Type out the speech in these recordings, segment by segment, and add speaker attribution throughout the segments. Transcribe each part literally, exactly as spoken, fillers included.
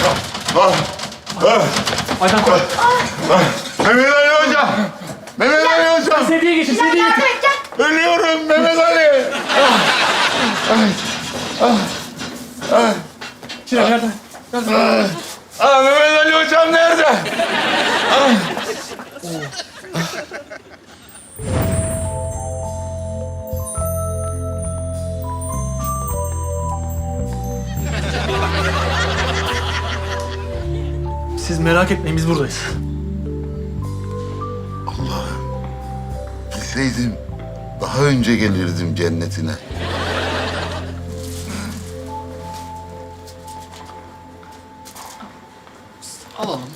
Speaker 1: Ah, ah,
Speaker 2: Aydan koş.
Speaker 1: Mehmet Ali hocam. Mehmet Ali hocam.
Speaker 2: Sediye geçin, sediye geçin.
Speaker 1: Ölüyorum Mehmet Ali.
Speaker 2: Çilem nerede?
Speaker 1: Ah, Mehmet Ali hocam nerede?
Speaker 2: Siz merak etmeyin, biz buradayız.
Speaker 1: Bilseydim daha önce gelirdim cennetine.
Speaker 3: Alalım.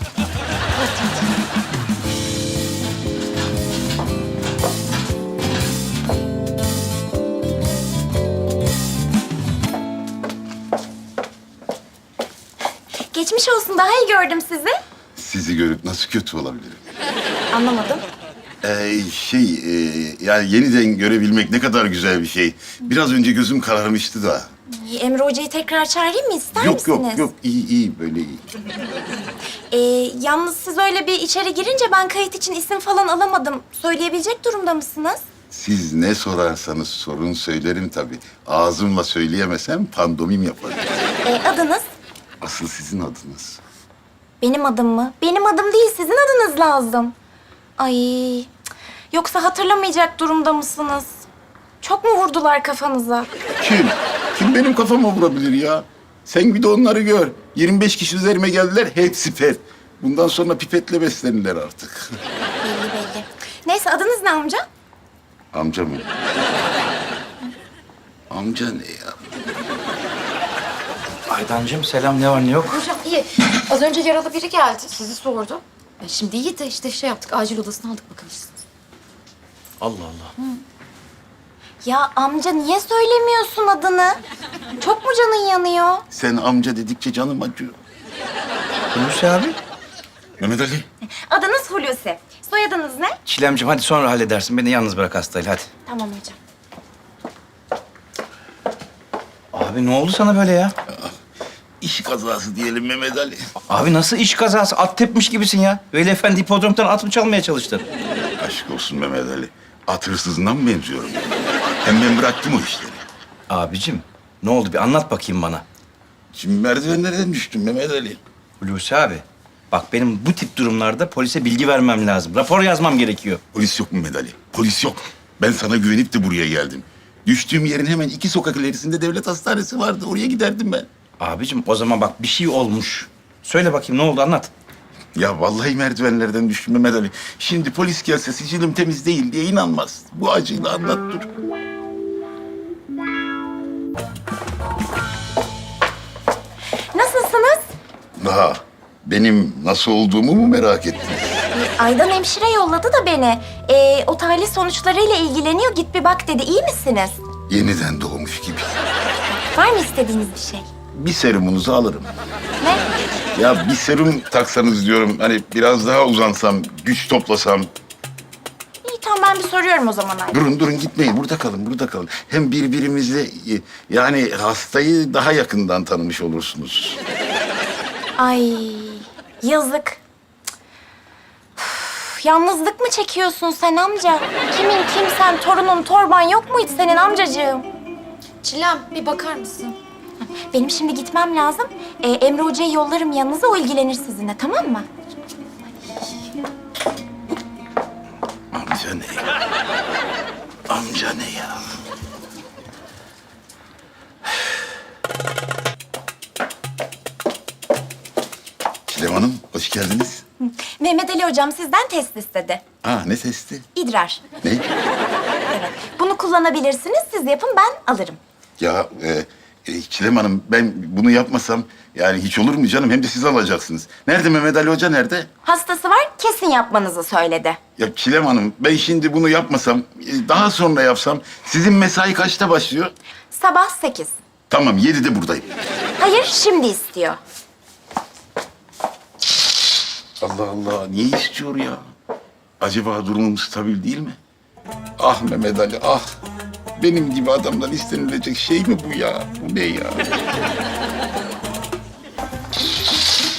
Speaker 4: Geçmiş olsun, daha iyi gördüm sizi.
Speaker 1: Sizi görüp nasıl kötü olabilirim?
Speaker 4: Anlamadım.
Speaker 1: Ee, şey, e, yani yeniden görebilmek ne kadar güzel bir şey. Biraz önce gözüm kararmıştı da.
Speaker 4: Emre Hoca'yı tekrar çağırayım mı, ister
Speaker 1: Yok
Speaker 4: misiniz?
Speaker 1: yok yok, iyi iyi böyle iyi.
Speaker 4: Ee, yalnız siz öyle bir içeri girince ben kayıt için isim falan alamadım. Söyleyebilecek durumda mısınız?
Speaker 1: Siz ne sorarsanız sorun söylerim tabii. Ağzımla söyleyemesem pandomim yaparım.
Speaker 4: Ee, adınız?
Speaker 1: Asıl sizin adınız.
Speaker 4: Benim adım mı? Benim adım değil, sizin adınız lazım. Ay, cık. Yoksa hatırlamayacak durumda mısınız? Çok mu vurdular kafanıza?
Speaker 1: Kim? Kim benim kafama vurabilir ya? Sen bir de onları gör. yirmi beş kişi üzerime geldiler, hepsi pet. Bundan sonra pipetle beslenirler artık.
Speaker 4: Belli belli. Neyse, adınız ne amca?
Speaker 1: Amca mı? Amca ne ya?
Speaker 3: Aydancığım selam, ne var ne yok?
Speaker 5: Hocam iyi. Az önce yaralı biri geldi. Sizi sordu. E, Şimdi iyi de işte şey yaptık. Acil odasına aldık bakalım.
Speaker 3: Allah Allah.
Speaker 4: Ya amca, niye söylemiyorsun adını? Çok mu canın yanıyor?
Speaker 1: Sen amca dedikçe canım acıyor.
Speaker 3: Hulusi abi.
Speaker 1: Mehmet Ali.
Speaker 4: Adınız Hulusi. Soyadınız ne?
Speaker 3: Çilemciğim hadi sonra halledersin. Beni yalnız bırak hastayla hadi.
Speaker 4: Tamam hocam.
Speaker 3: Abi ne oldu sana böyle ya?
Speaker 1: İş kazası diyelim Mehmet Ali.
Speaker 3: Abi nasıl iş kazası? At tepmiş gibisin ya. Veli Efendi hipodromdan at mı çalmaya çalıştın?
Speaker 1: Aşk olsun Mehmet Ali. At hırsızına mı benziyorum? Hem ben bıraktım o işleri.
Speaker 3: Abicim ne oldu bir anlat bakayım bana.
Speaker 1: Şimdi merdivenlerden düştüm Mehmet Ali.
Speaker 3: Hulusi abi. Bak benim bu tip durumlarda polise bilgi vermem lazım. Rapor yazmam gerekiyor.
Speaker 1: Polis yok mu Mehmet Ali? Polis yok. Ben sana güvenip de buraya geldim. Düştüğüm yerin hemen iki sokak ilerisinde devlet hastanesi vardı. Oraya giderdim ben.
Speaker 3: Abicim o zaman bak bir şey olmuş. Söyle bakayım ne oldu anlat.
Speaker 1: Ya vallahi merdivenlerden düştüm Mehmet Ali. Şimdi polis gelse sicilim temiz değil diye inanmaz. Bu acıyla anlat dur.
Speaker 4: Nasılsınız?
Speaker 1: Daha benim nasıl olduğumu mu merak ettin?
Speaker 4: Aydan hemşire yolladı da beni. Ee, o tahlil sonuçlarıyla ilgileniyor. Git bir bak dedi. İyi misiniz?
Speaker 1: Yeniden doğmuş gibi.
Speaker 4: Var mı istediğiniz bir şey?
Speaker 1: Bir serumunuzu alırım.
Speaker 4: Ne?
Speaker 1: Ya bir serum taksanız diyorum. Hani biraz daha uzansam, güç toplasam.
Speaker 4: İyi, tamam, ben bir soruyorum o zaman Aydan.
Speaker 1: Durun durun gitmeyin. Burada kalın, burada kalın. Hem birbirimizle e, yani hastayı daha yakından tanımış olursunuz.
Speaker 4: Ay, yazık. Cık. Üf, yalnızlık mı çekiyorsun sen amca? Kimin kimsen, torunun, torban yok muydu senin amcacığım?
Speaker 5: Çilem bir bakar mısın?
Speaker 4: Benim şimdi gitmem lazım. Ee, Emre Hoca'yı yollarım yanınıza, o ilgilenir sizinle, tamam mı?
Speaker 1: Amca ne ya? Amca ne ya? Çilem Hanım, hoş geldiniz.
Speaker 4: Mehmet Ali Hocam sizden test istedi.
Speaker 1: Aa, ne testi?
Speaker 4: İdrar.
Speaker 1: Ne?
Speaker 4: Evet. Bunu kullanabilirsiniz, siz yapın, ben alırım.
Speaker 1: Ya e, e, Çilem Hanım, ben bunu yapmasam yani hiç olur mu canım? Hem de siz alacaksınız. Nerede Mehmet Ali Hoca, nerede?
Speaker 4: Hastası var, kesin yapmanızı söyledi.
Speaker 1: Ya Çilem Hanım, ben şimdi bunu yapmasam, e, daha sonra yapsam sizin mesai kaçta başlıyor?
Speaker 4: Sabah sekiz.
Speaker 1: Tamam, yedide buradayım.
Speaker 4: Hayır, şimdi istiyor.
Speaker 1: Allah Allah, niye istiyor ya? Acaba durumum stabil değil mi? Ah Mehmet Ali, ah. Benim gibi adamdan istenilecek şey mi bu ya? Bu ne ya?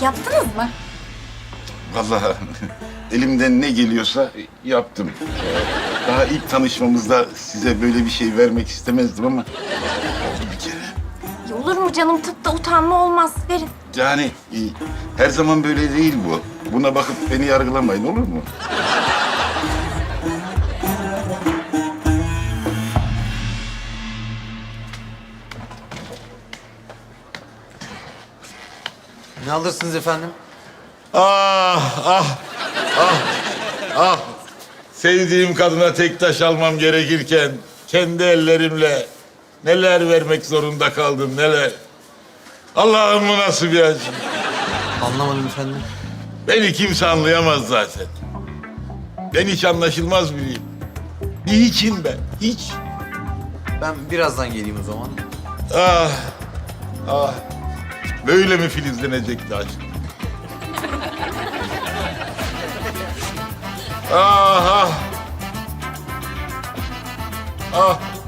Speaker 4: Yaptınız mı?
Speaker 1: Vallahi elimden ne geliyorsa yaptım. Ee, Daha ilk tanışmamızda size böyle bir şey vermek istemezdim ama oldu bir kere.
Speaker 4: Ya olur mu canım? Tıpta utanma olmaz. Verin.
Speaker 1: Yani e, her zaman böyle değil bu. Buna bakıp beni yargılamayın, olur mu?
Speaker 6: Ne alırsınız efendim?
Speaker 7: Ah, ah, ah, ah. Sevdiğim kadına tek taş almam gerekirken kendi ellerimle neler vermek zorunda kaldım, neler. Allah'ım bu nasıl bir acı.
Speaker 6: Anlamadım efendim.
Speaker 7: Beni kimse anlayamaz zaten. Ben hiç anlaşılmaz biriyim. Bir hiçim ben, hiç.
Speaker 6: Ben birazdan geleyim o zaman.
Speaker 7: Ah, ah. Böyle mi filizlenecekti aşk? Ah, ah. Ah.